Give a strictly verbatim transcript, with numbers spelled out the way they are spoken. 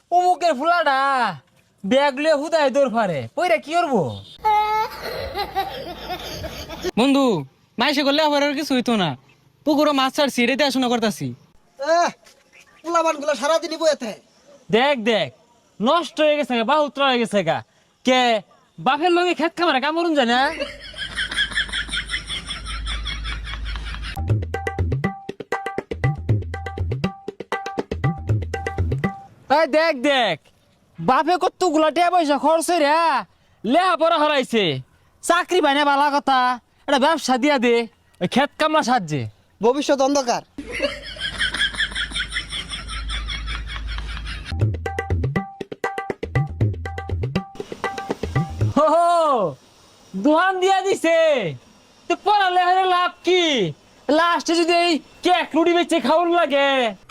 অমুকের ফুলাটা ব্যাগ লিয়ে হুদায় দৌড় পারে ওইটা কি করবো? বন্ধু মাইসে করলে আবার আর কিছু হইতো না। পুকুরও মাছ ছাড়ছি, রেতে আসনা করতাছি। পোলাবান গুলো সারাদিনই বইতে। দেখ দেখ নষ্ট হয়ে গেছে গা, বাহুত্র হয়ে গেছে গা। কে বাপের লগে খেত খামারে কামড়ুন যায় না? এই দেখ দেখ বাপে কত গুলাটিয়া পয়সা খরচ রে লেহা পড়া হরাইছে, চাকরি বাইনা বালা কথা, একটা ব্যবসা দিয়া দে ওই খেত কামলা সাহায্যে। ভবিষ্যৎ অন্ধকার। হো হো, দোহান দিয়া দিছে তো পড়ালে লাভ কি? লাস্টে যদি এই কেক রুটি বেচে খাওয়ার লাগে